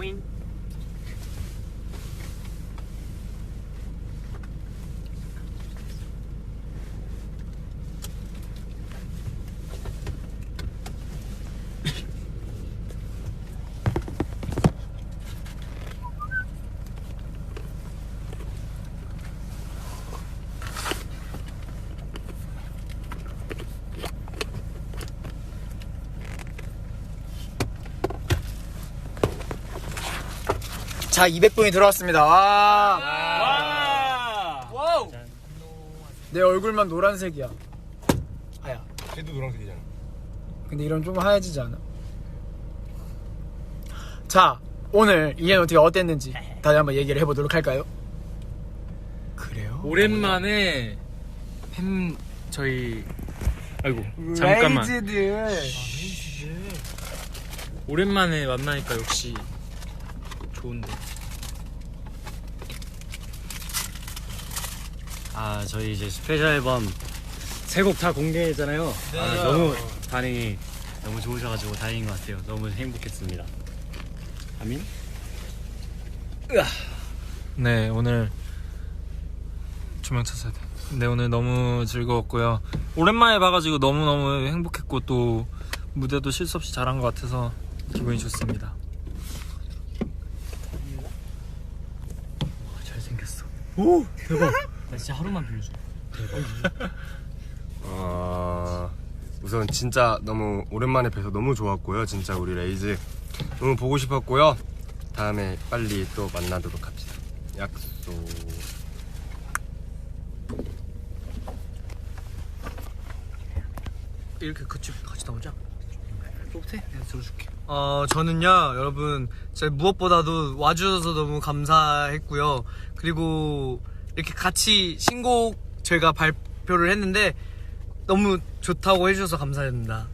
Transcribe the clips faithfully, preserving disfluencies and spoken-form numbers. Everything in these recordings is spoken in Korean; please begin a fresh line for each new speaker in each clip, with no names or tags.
Queen.
자, 이백 분이 들어왔습니다. 와.
와. 와우.
내 얼굴만 노란색이야. 아야.
걔도 노란색이잖아.
근데 이런 좀 하얘지지 않아? 자, 오늘 이엔 어떻게 어땠는지 다시 한번 얘기를 해보도록 할까요? 그래요?
오랜만에 팬 저희 아이고 잠깐만.
레이즈들.
오랜만에 만나니까 역시 좋은데.
아, 저희 이제 스페셜 앨범 세 곡 다 공개했잖아요.
네.
아, 너무 반응이 너무 좋으셔가지고 다행인 것 같아요. 너무 행복했습니다. 아민?
네, 오늘 조명 쳤어야 돼. 네, 오늘 너무 즐거웠고요. 오랜만에 봐가지고 너무너무 행복했고 또 무대도 실수 없이 잘한 것 같아서 기분이 좋습니다.
잘생겼어.
오, 대박.
나 진짜 하루만 빌려줘.
어... 우선 진짜 너무 오랜만에 뵈서 너무 좋았고요. 진짜 우리 레이즈 너무 보고 싶었고요. 다음에 빨리 또 만나도록 합시다. 약속.
이렇게 같이 같이 나오자.
못해? 내가 들어줄게.
어, 저는요, 여러분, 진짜 무엇보다도 와주셔서 너무 감사했고요. 그리고 이렇게 같이 신곡 저희가 발표를 했는데 너무 좋다고 해주셔서 감사합니다.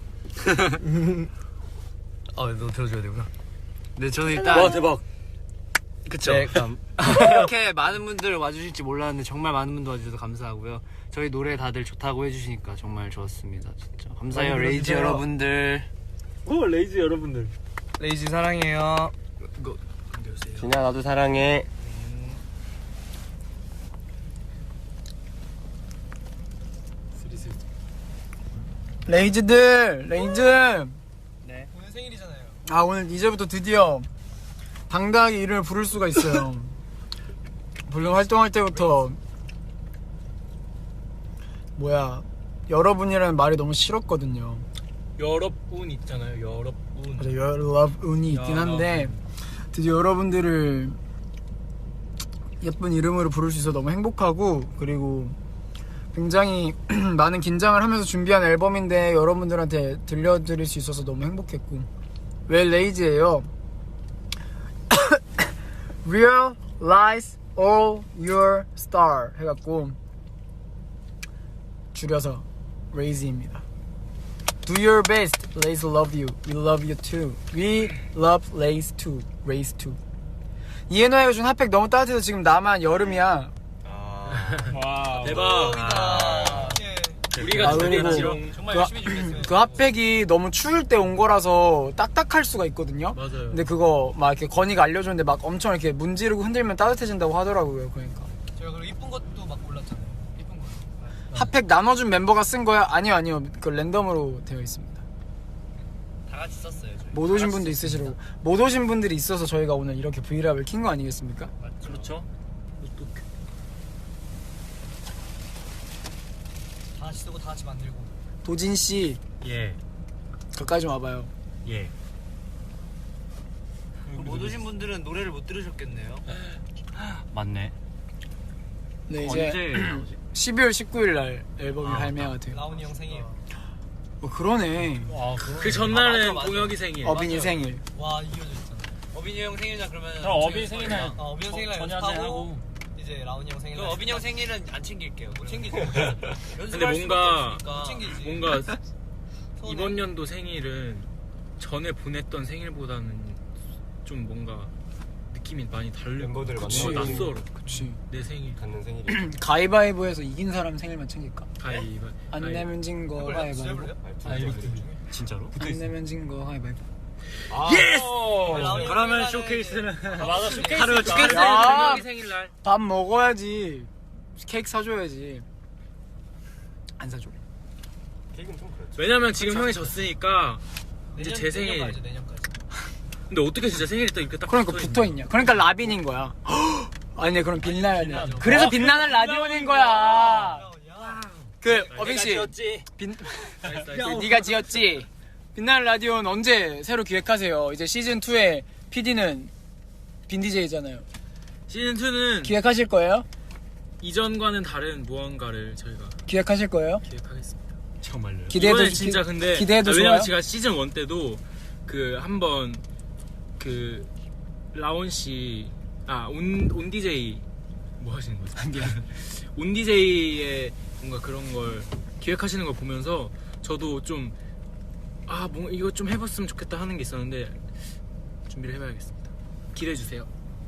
어, 너 들어줘야 되구나.
네, 저는 일단
와 대박.
그쵸.
네, 그럼.
이렇게 많은 분들 와주실지 몰랐는데 정말 많은 분들 와주셔서 감사하고요. 저희 노래 다들 좋다고 해주시니까 정말 좋았습니다. 진짜 감사해요,
많이
레이즈
불러주세요.
여러분들.
오 레이즈 여러분들.
레이지 사랑해요.
진아 나도 사랑해.
레이즈들, 레이즈.
네.
오늘 생일이잖아요. 아, 오늘 이제부터 드디어 당당하게 이름을 부를 수가 있어요. 물론 활동할 때부터 뭐야, 여러분이라는 말이 너무 싫었거든요.
여러분 있잖아요. 여러분.
맞아, 여러분이 있긴 한데 드디어 여러분들을 예쁜 이름으로 부를 수 있어서 너무 행복하고, 그리고 굉장히 많은 긴장을 하면서 준비한 앨범인데 여러분들한테 들려드릴 수 있어서 너무 행복했고. 왜 레이즈예요? Realize all your star 해갖고 줄여서 레이즈입니다. Do your best, Lays love you. We love you too. We love Lays too. Lays too. 이해노야 요즘 핫팩 너무 따뜻해서 지금 나만 여름이야.
와 대박.
아,
우리가
아,
준비한
그리고
지령
정말 열심히 준비했어요. 그 핫팩이 너무 추울 때 온 거라서 딱딱할 수가 있거든요.
맞아요.
근데 그거 막 이렇게 건이가 알려줬는데 막 엄청 이렇게 문지르고 흔들면 따뜻해진다고 하더라고요. 그러니까.
제가 그리고 이쁜 것도 막 골랐잖아요. 이쁜 거.
핫팩 나눠준 멤버가 쓴 거야? 아니요, 아니요. 그 랜덤으로 되어 있습니다.
다 같이 썼어요. 저희.
못 오신 분도 있으시고 못 오신 분들이 있어서 저희가 오늘 이렇게 브이랩을 킨 거 아니겠습니까?
그렇죠.
다 같이 쓰고 다 같이 만들고.
도진 씨
예,
가까이 좀 와봐요.
예.
못 오신 분들은 노래를 못 들으셨겠네요.
맞네.
네, 이제
언제 나오지?
십이월 십구일 날 앨범이
아,
발매가 돼요.
라온이 형 생일.
어, 그러네.
그 전날은
아, 맞아, 맞아.
공혁이 생일.
어빈이 생일.
와 이어져 있잖아. 어빈이 형 생일날 그러면.
그럼 어빈이 생일날
어, 어빈이 형 생일날
전야제
연습하고
하고.
이제 라온이 형 생일날.
그럼 어빈이 형 생일은 안 챙길게요.
못 챙기지.
근데 뭔가
못 챙기지.
뭔가
서운해.
이번 연도 생일은 전에 보냈던 생일보다는 좀 뭔가 느낌이 많이 다를
멤버들
것
그치.
같아. 낯설어.
그치.
내 생일.
갖는 생일이.
가위바위보에서 이긴 사람 생일만 챙길까?
가위바.
안 내면 진 거 가위바위보.
아 이렇게.
진짜로?
안 내면 진 거 가위바위보.
예스!
그러면 쇼케이스는
맞아 쇼케이스
하루
쇼케이스
아.
두 명이 생일날.
밥 먹어야지. 케이크 사줘야지. 안 사줘.
케이크는 좀 그렇죠.
왜냐면 지금 형이 졌으니까 이제
내년,
제 생일.
내년까지 내년까지.
근데 어떻게 진짜 생일이 딱 이렇게 딱
그러니까
붙어있냐.
붙어 있냐? 그러니까 라빈인 거야. 아니네, 그럼 빛나야 돼. 그래서 빛나는 라디온인 거야. 그 어빙 씨, 빛 그, 네가 지었지. 빛나는 라디오는 언제 새로 기획하세요? 이제 시즌 이의 피디는 빈디제이잖아요.
시즌 이는
기획하실 거예요?
이전과는 다른 무언가를 저희가
기획하실 거예요?
기획하겠습니다.
정말로요?
기대해도
이번에
기-
진짜 근데
기대해도
아, 왜냐면
좋아요?
제가 시즌 일 때도 그 한번 그 라온 씨아 온 온디제이 뭐 하시는 거죠? 온디제이의 뭔가 그런 걸 기획하시는 걸 보면서 저도 좀 아 뭐 이거 좀 해봤으면 좋겠다 하는 게 있었는데 준비를 해봐야겠습니다. 기대해 주세요.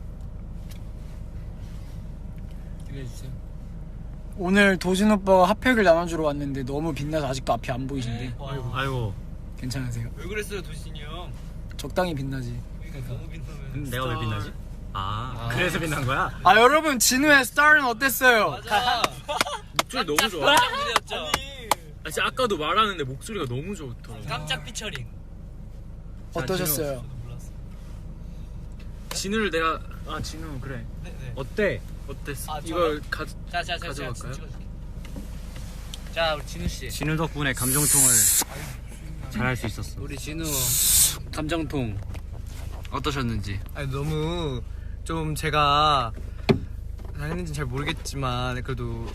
기대해 주세요.
오늘 도진 오빠가 핫팩을 나눠주러 왔는데 너무 빛나서 아직도 앞이 안 보이신데
아이고.
아이고
괜찮으세요?
왜 그랬어요 도진이 형?
적당히 빛나지.
그러니까 너무 빛나면.
내가 왜 빛나지? 아, 그래서 빛난 거야?
아 여러분, 진우의 스타는 어땠어요?
맞아.
목소리 너무 좋아.
깜짝 놀랐죠.
아, 진짜 아까도 말하는데 목소리가 너무 좋더라고.
깜짝 피처링.
어떠셨어요?
저도 몰랐어.
진우를 내가 아 진우 그래
네, 네.
어때? 어땠어?
아,
이걸 가
자자자 자,
가져갈까요?
찍어줄게. 자 우리 진우 씨.
진우 덕분에 감정통을 잘할 수 있었어. 우리 진우 감정통 어떠셨는지.
아니 너무 좀 제가 잘했는지 잘 모르겠지만 그래도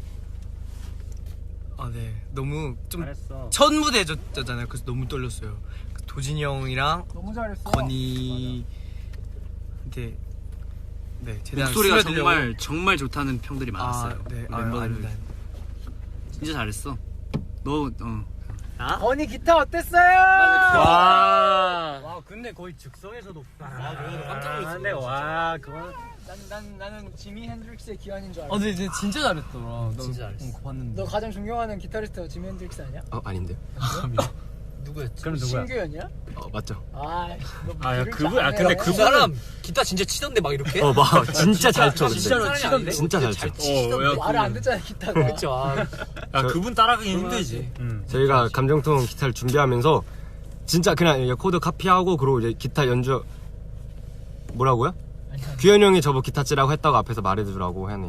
아 네 너무 좀
잘했어.
첫 무대였잖아요. 그래서 너무 떨렸어요. 그 도진이 형이랑
너무 잘했어.
건이한테 네 최대한
목소리가
스며들려고-
정말 정말 좋다는 평들이 많았어요.
아, 네.
우리
아,
멤버들
아닙니다.
진짜 잘했어. 너 어.
건이 기타 어땠어요?
와.
와 근데 거의 즉석에서도
깜짝 놀랐어. 근데 와, 그건
난, 난, 나는 지미 핸드릭스의 기환인 줄 알았어.
아 근데 진짜 잘했더라. 나
진짜 잘했어.
어, 봤는데
너 가장 존경하는 기타리스트가 지미 핸드릭스 아니야?
어 아닌데.
누구였지?
그럼 누구야?
신규현이야?
어 맞죠.
아, 너
아, 야,
모를 줄
그분- 아,
아네.
근데
그
그분은-
사람 기타 진짜 치던데 막 이렇게?
어 막 진짜 잘 쳐. 근데.
진짜로 치던데?
진짜 잘 쳐.
어, 야,
말을 안 듣잖아, 기타가.
그쵸. 아,
야,
저-
그분 따라가기 힘들지. 응.
저희가 감정통 기타를 준비하면서 진짜 그냥 이게 코드 카피하고 그리고 이제 기타 연주 뭐라고요? 규현 형이 저보 기타 치라고 했다고 앞에서 말해주라고 하네요.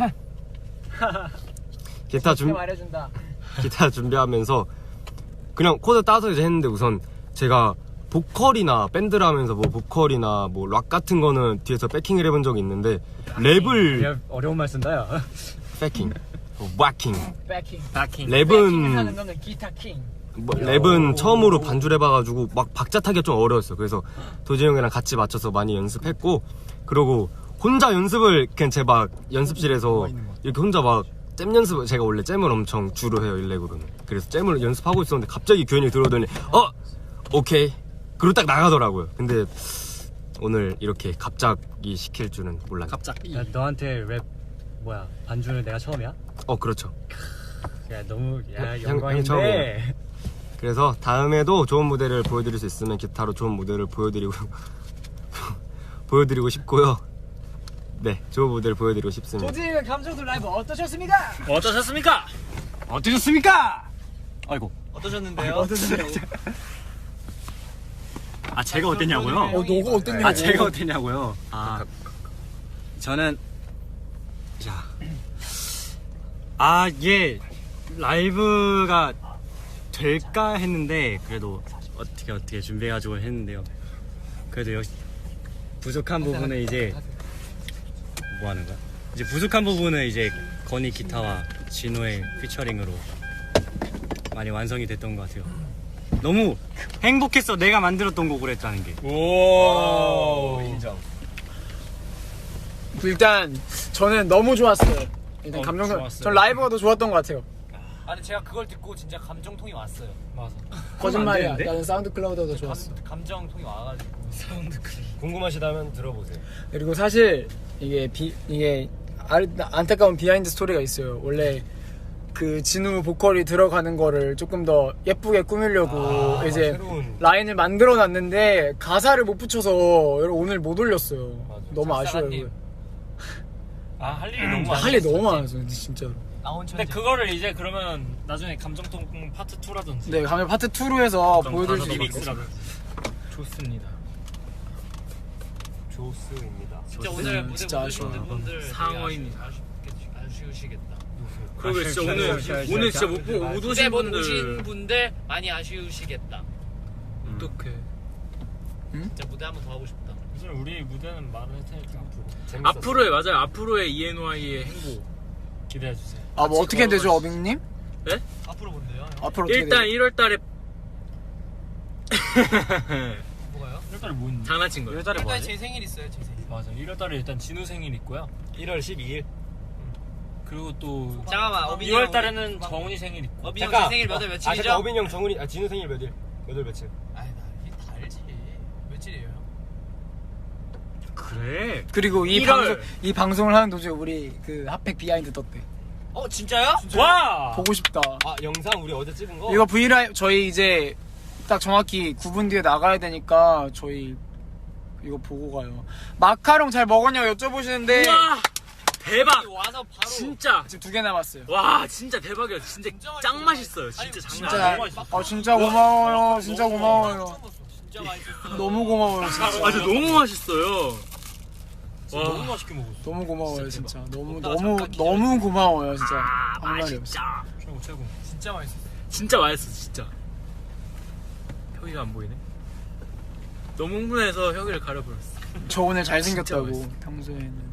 기타 준
말해준다.
기타 준비하면서 그냥 코드 따서 이제 했는데 우선 제가 보컬이나 밴드를 하면서 뭐 보컬이나 뭐 락 같은 거는 뒤에서 백킹을 해본 적이 있는데 랩을
야, 어려운 말 쓴다, 야.
백킹, 뭐 왁킹,
백킹.
바킹.
백킹을 하는
랩은
너는 기타 킹.
뭐 랩은 처음으로 반주를 해봐가지고 막 박자 타기가 좀 어려웠어요. 그래서 도지 형이랑 같이 맞춰서 많이 연습했고 그러고 혼자 연습을 그냥 제 막 연습실에서 이렇게 혼자 막 잼 연습을 제가 원래 잼을 엄청 주로 해요 일렉으로는. 그래서 잼을 연습하고 있었는데 갑자기 규현이 들어오더니 어 오케이 그리고 딱 나가더라고요. 근데 오늘 이렇게 갑자기 시킬 줄은 몰랐네.
갑자기.
야, 너한테 랩 뭐야 반주는 내가 처음이야?
어 그렇죠.
야 너무 야
형-
영광인데.
형 처음이에요. 그래서 다음에도 좋은 무대를 보여드릴 수 있으면 기타로 좋은 무대를 보여드리고 보여드리고 싶고요. 네, 좋은 무대를 보여드리고 싶습니다.
도진의 감정도 라이브 어떠셨습니까?
어떠셨습니까?
어떠셨습니까? 아이고.
어떠셨는데요?
아 제가 어땠냐고요?
어, 너가 어땠냐고.
아 제가 어땠냐고요? 아 저는 자. 아 이게 라이브가 될까 했는데 그래도 어떻게 어떻게 준비해가지고 했는데요. 그래도 역시 부족한 부분은 이제 뭐 하는 거야? 이제 부족한 부분은 이제 건이 기타와 진호의 피처링으로 많이 완성이 됐던 것 같아요. 너무 행복했어. 내가 만들었던 곡을 했다는 게.
오.
인정.
일단 저는 너무 좋았어요. 일단
어,
감정.
좋았어요.
전 라이브가 더 좋았던 것 같아요.
아니 제가 그걸 듣고 진짜 감정통이 왔어요. 맞아.
거짓말이야.
되는데?
나는 사운드 클라우드가 더 좋았어.
감정통이 와가지고.
궁금하시다면 들어보세요.
그리고 사실 이게 비 이게 아, 안타까운 비하인드 스토리가 있어요. 원래 그 진우 보컬이 들어가는 거를 조금 더 예쁘게 꾸미려고
아,
이제
새로운.
라인을 만들어 놨는데 가사를 못 붙여서 여러분 오늘 못 올렸어요. 너무 아쉬워요.
작사가님.
아 할 일이 너무 많아.
할 일이 너무 많아서 진짜로.
나온
근데
천재.
그거를 이제 그러면 나중에 감정통 파트 이라든지
네, 가면 파트 이로 해서 보여드릴 수 있을 것 같아요.
리믹스라든지.
좋습니다.
조스입니다.
진짜 오늘 무대
진짜
보신
아쉬워요.
분들
상어입니다.
아쉽겠- 아쉬우시겠다.
그리고 진짜 오늘 오늘 진짜 못, 보- 못
무대
오신
못 오신
분들
분들 많이 아쉬우시겠다.
어떡해.
진짜 무대 한번 더 하고 싶다.
요즘 우리 무대는 말을 할 테니까
앞으로의 맞아요. 앞으로의 이엔와이의 행보.
기대해 주세요.
아, 뭐 어떻게 되죠, 어빙님?
앞으로 뭔데요?
앞으로 어떻게
일단
되죠?
일월 달에
뭐가요?
일월 달에 뭐 있는데?
장난친 거예요.
일월 달에 뭐
일단
하지?
제 생일 있어요. 제 생일.
맞아. 일월 달에 일단 진우 생일 있고요.
일월 십이일.
그리고 또
잠깐만. 어빈이
이월
형,
달에는
우리-
정훈이 생일 있고.
어빈이 형제 생일 몇월
아,
며칠이죠?
잠깐 어빈이 형, 정훈이, 아 진우 생일 몇일? 몇월 며칠?
아이 나 이게 다 알지. 며칠이에요?
그래.
그리고 이
일월.
방송 이 방송을 하는 도중에 우리 그 핫팩 비하인드 떴대.
어 진짜요?
와!
보고 싶다.
아 영상 우리 어제 찍은 거?
이거 브이라이브 저희 이제 딱 정확히 구 분 뒤에 나가야 되니까 저희 이거 보고 가요. 마카롱 잘 먹었냐고 여쭤보시는데
와 대박.
와서 바로
진짜.
지금 두 개 남았어요.
와 진짜 대박이야. 진짜
진짜
짱
맛있어.
맛있어요.
아니,
진짜
진짜
장난
진짜
아니야.
아 진짜 고마워요. 진짜 고마워요.
진짜 맛있었어.
너무 고마워요. 진짜.
아 진짜 너무 맛있어요.
진짜 너무 맛있게 먹었어.
너무 고마워요 진짜. 너무
먹다가
너무
잠깐 기다려.
너무 고마워요 진짜.
아
할 말이 없어.
맛있다.
최고 최고.
진짜 맛있었어.
진짜 맛있어 진짜. 혁이가 안 보이네. 너무 흥분해서 혁이를 가려버렸어.
저 오늘
진짜
잘생겼다고
맛있어.
평소에는.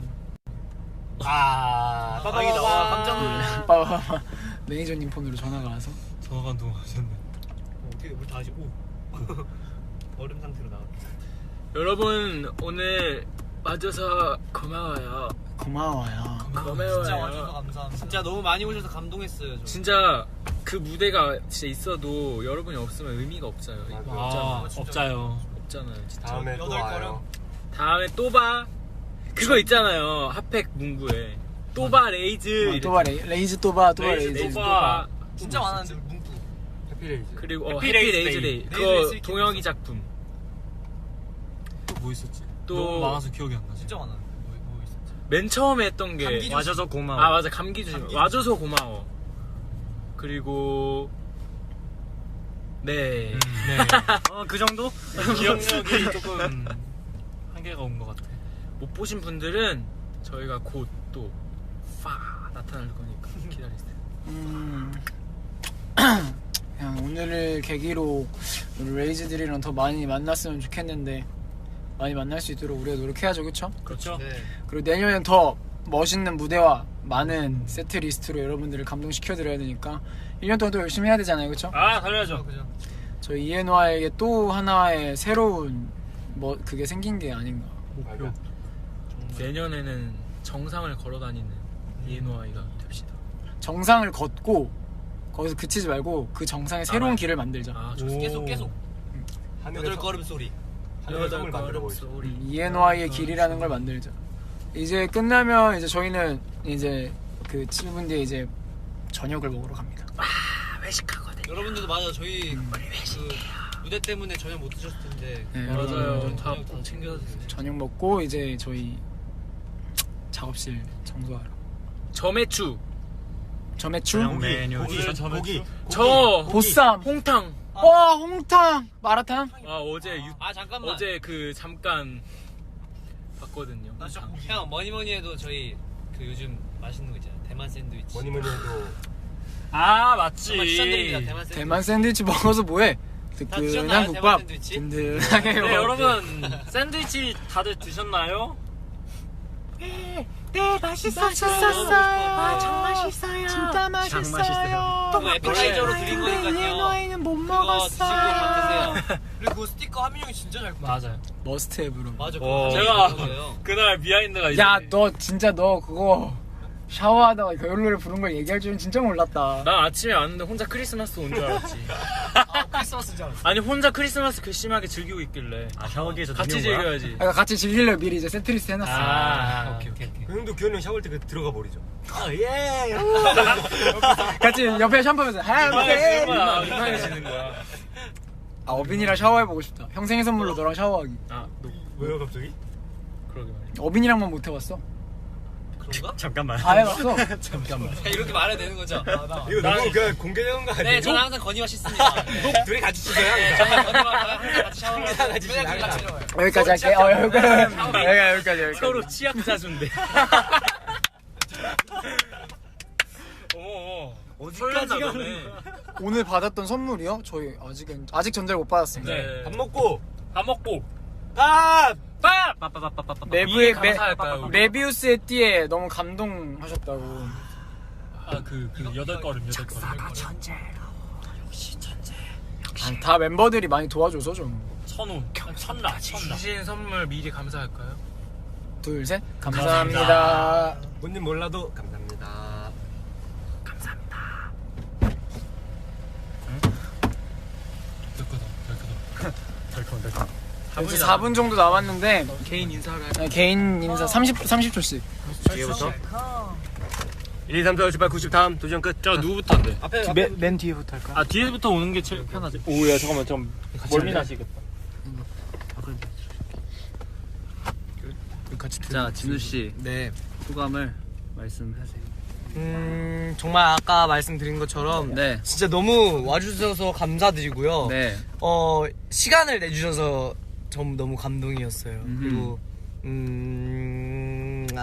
아
다행이다. 와, 깜짝
놀랐네.
빠바바 매니저님 폰으로 전화가 와서
전화가 안 통하셨네.
어떻게 물 다시 오 얼음 상태로 나왔다.
여러분 오늘 와줘서 고마워요.
고마워요.
고마워요.
진짜 와줘서 감사합니다. 진짜 너무 많이 오셔서 감동했어요. 저.
진짜 그 무대가 진짜 있어도 여러분이 없으면 의미가 없어요.
아,
없잖아요.
없자요.
없잖아요. 진짜.
다음에 또
여덟
와요.
다음에 또 봐. 그거 있잖아요. 핫팩 문구에 또봐 레이즈.
아, 또바 레이, 레이즈 또바 또바
레이즈
레이즈.
또봐.
진짜 많았는데 문구.
해피레이즈.
그리고 어,
해피
해피
레이즈
레이즈
데이.
데이.
레이즈
그거
데이
동혁이 작품.
또 뭐 있었지?
또-
너무 많아서 기억이 안 나지.
진짜 많았는데 뭐, 뭐 있었지?
맨 처음에 했던 게
감기 조심.
와줘서 고마워.
아 맞아 감기 조심.
감기
와줘서 고마워. 그리고 네.
음, 네. 어, 그 정도? 기억력이 조금 한계가 온 것 같아.
못 보신 분들은 저희가 곧 또 파 나타날 거니까 기다리세요.
음, 그냥 오늘을 계기로 우리 레이즈들이랑 더 많이 만났으면 좋겠는데 많이 만날 수 있도록 우리가 노력해야죠, 그렇죠?
그렇죠?
네.
그리고 내년엔 더 멋있는 무대와 많은 세트 리스트로 여러분들을 감동시켜드려야 되니까 일 년 동안 또 열심히 해야 되잖아요, 그렇죠?
아, 달려야죠.
그죠.
저희 이엔와이에게 또 하나의 새로운 뭐 그게 생긴 게 아닌가.
목표.
내년에는 정상을 걸어 다니는 이엔와이가 됩시다.
정상을 걷고 거기서 그치지 말고 그 정상에 새로운
아,
길을 만들자.
아,
오.
계속 계속
하늘의
여덟 걸음 소리.
하늘의 성을 만들어 보이죠.
소리.
이엔와이의 길이라는 걸 만들자. 이제 끝나면 이제 저희는 이제 그 칠 분 뒤에 이제 저녁을 먹으러 갑니다.
아, 외식하거든.
여러분들도 맞아 저희 그 무대 때문에 저녁 못 드셨을 텐데.
네,
맞아요.
여러분
다
저녁 다 챙겨서 드세요.
저녁 먹고 이제 저희 작업실 청소하러.
점액추.
점액추?
저녁 메뉴.
고기,
저 저번
고기.
주?
저
보쌈.
홍탕.
와 홍탕 마라탕.
아 어제 유,
아 잠깐만.
어제 그 잠깐 봤거든요.
나 진짜
홍탕.
형 뭐니 뭐니 해도 저희 그 요즘 맛있는 거 있잖아요. 대만 샌드위치.
뭐니 뭐니 해도
아, 맞지.
정말 추천드립니다. 대만 샌드위치.
대만 샌드위치 먹어서 뭐해?
다
뜨끈한
드셨나요,
국밥
대만 샌드위치?
든든하게
네,
먹어.
여러분. 샌드위치 다들 드셨나요?
네 맛있었어요. 아, 정 맛있어요. 진짜 맛있어요.
그거 에피타이저로 드린 거니까요.
이엔와이는 못
그거 드시고 밥
먹었어요.
드세요. 그리고 그 스티커 하민 형이 진짜 잘 뽑아.
맞아요.
머스트헤브로.
맞아.
어,
그거
제가
거예요.
그날 비하인드가 이제
야 너 진짜 너 그거 샤워하다가 겨울 노래 부른 걸 얘기할 줄은 진짜 몰랐다.
난 아침에 왔는데 혼자 크리스마스 온 줄 알았지.
크리스마스인 줄 알았어.
아니 혼자 크리스마스 괘씸하게 즐기고 있길래.
아 샤워기에서
같이 즐겨야지.
아, 같이 즐기려고 미리 이제 세트리스트 해놨어.
아, 오케이 오케이 오케이.
그 형도 규현이 형 샤워할 때 들어가 버리죠.
같이 옆에 샴푸하면서
민망해지는
해피.
거야. 민망해지는 거야.
아 어빈이랑 샤워해보고 싶다. 형생일 선물로 너랑 샤워하기.
아, 너
왜요 갑자기?
그러게 말이야.
어빈이랑만 못 해봤어.
그런가?
잠깐만.
다 해봤어.
잠깐만.
야, 이렇게 말해도 되는 거죠? 아, 나.
이거 너무 그냥 공개되는 거 아니에요?
네, 저는 항상 건이와 씻습니다. 네.
둘이 같이 치세요.
네, 저는 건이와 항상 같이 샤워를 하고
같이
맨날
씻어요.
같이 샤워해요.
여기까지 할게. 어 여기까지. 여기까지 여기까지 여기까지.
서로 치약자준데. 어머, 설렌다 너네.
오늘 받았던 선물이요? 저희 아직은 아직 전자를 못 받았습니다.
네.
밥 먹고
밥 먹고.
밥.
밥.
메브의 메,
감사할까요, 우리?
메비우스의 띠에 너무 감동하셨다고.
아그 그 여덟 걸음 여덟 걸음.
아니, 다 멤버들이 많이 도와줘서 좀.
천운 천라 천라.
주신 선물 미리 감사할까요?
둘 셋. 감사합니다.
본인 몰라도 감사합니다.
이제 사 분 정도 남았는데
개인 인사를 할
네, 개인 인사 삼십 삼십 초씩.
뒤에부터 일, 이, 삼, 사, 오, 칠, 팔, 구, 십 다음 도전 끝.
자 누구부터 한대?
앞에
맨, 맨 뒤에부터 할까?
아 뒤에부터 오는 게 제일 편하지. 오야 잠깐만 좀 멀미나시겠다.
같이
자 진우 씨
네.
소감을 말씀하세요.
음 정말 아까 말씀드린 것처럼
네.
진짜 너무 와주셔서 감사드리고요.
네.
어 시간을 내주셔서 전 너무 감동이었어요.
음흠.
그리고 음아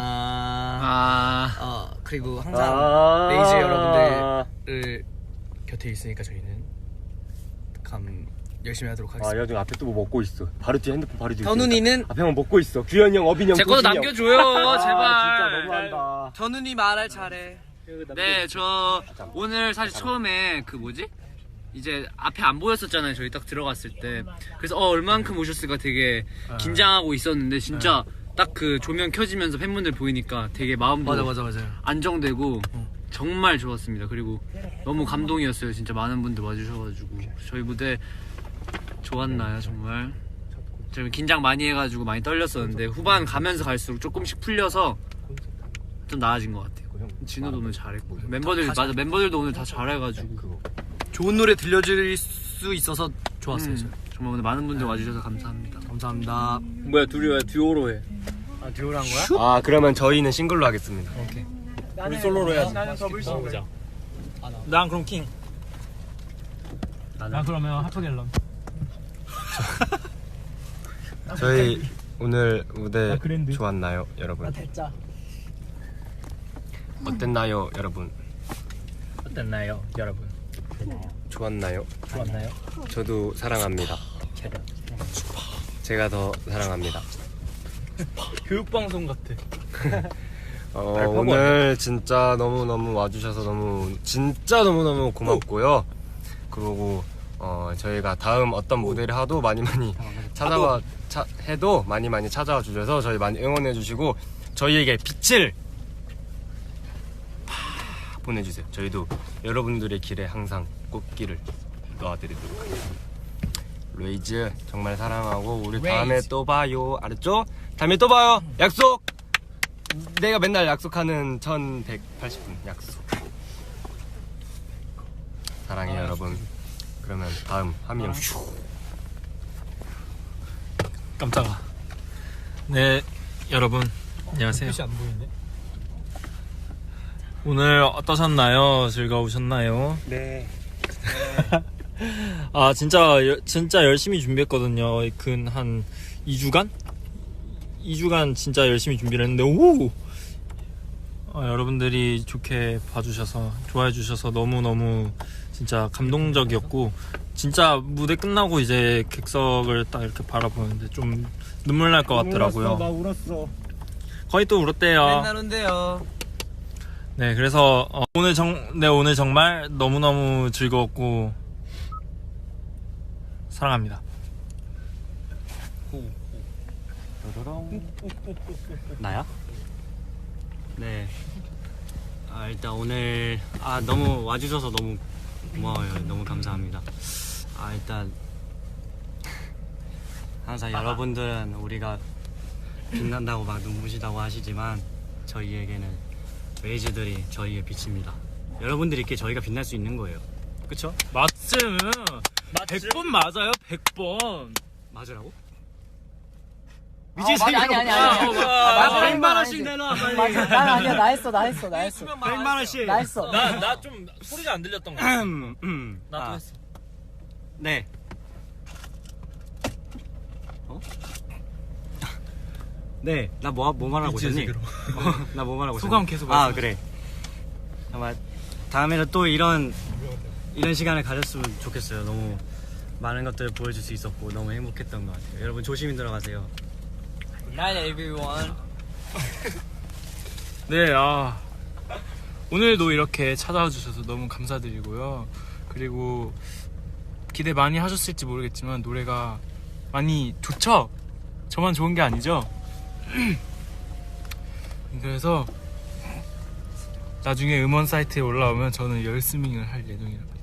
아.
어, 그리고 항상
아~
레이즈 여러분들을 곁에 있으니까 저희는 감 열심히 하도록
아,
하겠습니다.
여중 앞에 또 뭐 먹고 있어. 바로 뒤에 핸드폰 바로 뒤에.
현훈이는
앞에만 먹고 있어. 규현이 형, 어빈이 형,
제 것도
도진이 형.
남겨줘요
아,
제발.
진짜 너무한다.
현훈이 말할 잘해.
네, 저 오늘 사실 처음에 그 뭐지? 이제 앞에 안 보였었잖아요. 저희 딱 들어갔을 때. 그래서 어 얼만큼 오셨을까 되게 긴장하고 있었는데 진짜 딱 그 조명 켜지면서 팬분들 보이니까 되게 마음도
맞아 맞아 맞아요.
안정되고 정말 좋았습니다. 그리고 너무 감동이었어요. 진짜 많은 분들 와주셔가지고 저희 무대 좋았나요 정말? 제가 긴장 많이 해가지고 많이 떨렸었는데 후반 가면서 갈수록 조금씩 풀려서 좀 나아진 것 같아요. 진우도 오늘 잘했고 멤버들 맞아 멤버들도 오늘 다 잘해가지고
좋은 노래 들려줄 수 있어서 좋았어요.
음, 정말 오늘 많은 분들 와주셔서 감사합니다.
감사합니다.
뭐야 둘이 왜 듀오로 해?
아 듀오로 한 거야?
아, 그러면 저희는 싱글로 하겠습니다.
우리 솔로로 해야지. 나는 더블 싱글.
보자. 난 그럼 킹. 난 그러면 하프갤럼.
저희 오늘 무대
아, 그랜드.
좋았나요, 여러분?
됐자.
어땠나요, 여러분?
어땠나요, 여러분?
좋았나요?
좋았나요?
저도 사랑합니다. 제가 더 사랑합니다.
교육 방송 같아.
어,
알파고
오늘 진짜 너무너무 와주셔서 너무 진짜 너무너무 고맙고요. 그리고 어, 저희가 다음 어떤 무대를 하도 많이 많이 찾아와 차, 해도 많이 많이 찾아와 주셔서 저희 많이 응원해 주시고 저희에게 빛을 파 보내주세요. 저희도 여러분들의 길에 항상 꽃길을 놓아드리도록 하겠습니다. 레이즈 정말 사랑하고 우리 다음에 또 봐요. 알았죠? 다음에 또 봐요. 약속. 내가 맨날 약속하는 천백팔십 분 약속. 사랑해요 여러분. 그러면 다음 하민이 형.
깜짝아. 네, 여러분 안녕하세요.
안 보이네.
오늘 어떠셨나요? 즐거우셨나요?
네.
아 진짜 여- 진짜 열심히 준비했거든요. 근 한 이 주간? 이 주간 진짜 열심히 준비를 했는데 오! 아, 여러분들이 좋게 봐주셔서 좋아해 주셔서 너무너무 진짜 감동적이었고 진짜 무대 끝나고 이제 객석을 딱 이렇게 바라보는데 좀 눈물 날 것 같더라고요.
나 울었어.
거의 또 울었대요.
맨날 온대요.
네, 그래서 어, 오늘 정, 네 오늘 정말 너무 너무 즐거웠고 사랑합니다.
나야? 네.
아, 일단 오늘 아 너무 와주셔서 너무 고마워요. 너무 감사합니다. 아 일단 항상 여러분들은 우리가 빛난다고 막 눈부시다고 하시지만 저희에게는 레이즈들이 저희의 빛입니다. 여러분들이 있게 저희가 빛날 수 있는 거예요. 그쵸?
맞음. 백 번 맞아요. 백 번.
맞으라고?
미지 아니 아니 아니 아니.
아, 백만 원씩 내놔 빨리.
맞아. 난 아니야. 나 했어. 나 했어. 나 했어.
백만 원씩.
나 했어.
나 나 좀 소리가 안 들렸던 거 같아.
음, 음.
나도
아,
했어.
네. 어? 네. 나 뭐 뭐 말하고 있었니? 나 뭐 말하고 있었니?
소감 계속
아
말씀해.
그래. 아마 다음에는 또 이런 이런 시간을 가졌으면 좋겠어요. 너무 많은 것들을 보여줄 수 있었고 너무 행복했던 것 같아요. 여러분 조심히 들어가세요.
Night everyone.
네, 아 오늘도 이렇게 찾아와 주셔서 너무 감사드리고요. 그리고 기대 많이 하셨을지 모르겠지만 노래가 많이 좋죠? 저만 좋은 게 아니죠? 그래서 나중에 음원 사이트에 올라오면 저는 열스밍을 할 예정이랍니다.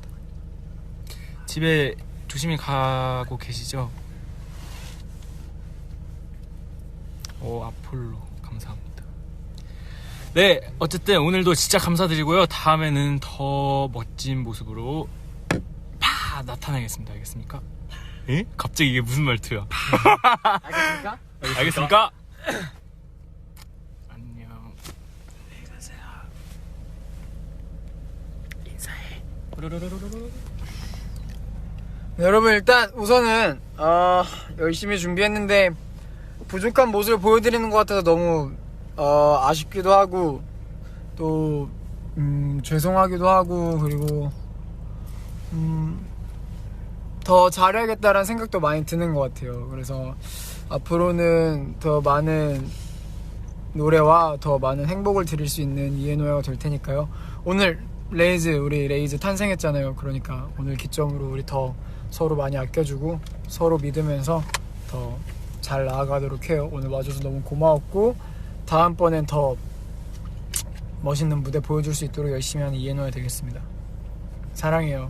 집에 조심히 가고 계시죠? 오, 아폴로 감사합니다. 네, 어쨌든 오늘도 진짜 감사드리고요. 다음에는 더 멋진 모습으로 파 나타나겠습니다. 알겠습니까? 에? 갑자기 이게 무슨 말투야?
알겠습니까?
알겠습니까? 안녕. 안녕히 가세요. 인사해.
네, 여러분 일단 우선은 어, 열심히 준비했는데 부족한 모습을 보여드리는 것 같아서 너무 어, 아쉽기도 하고 또 음, 죄송하기도 하고 그리고 음, 더 잘해야겠다라는 생각도 많이 드는 것 같아요. 그래서 앞으로는 더 많은 노래와 더 많은 행복을 드릴 수 있는 이에노야가 될 테니까요. 오늘 레이즈 우리 레이즈 탄생했잖아요. 그러니까 오늘 기점으로 우리 더 서로 많이 아껴주고 서로 믿으면서 더 잘 나아가도록 해요. 오늘 와줘서 너무 고마웠고 다음번엔 더 멋있는 무대 보여줄 수 있도록 열심히 하는 이에노야 되겠습니다. 사랑해요.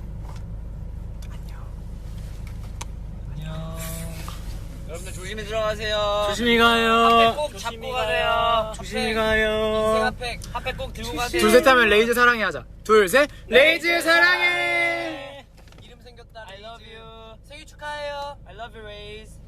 여러분들 조심히 들어가세요.
조심히 가요.
꼭 잡고 가세요.
조심히 가요.
핫팩 핫팩 꼭 들고 가세요.
둘 셋 하면 레이즈 사랑해 하자. 둘 셋 레이즈 사랑해.
이름 생겼다. I love you. 생일 축하해요. I love you, Raise.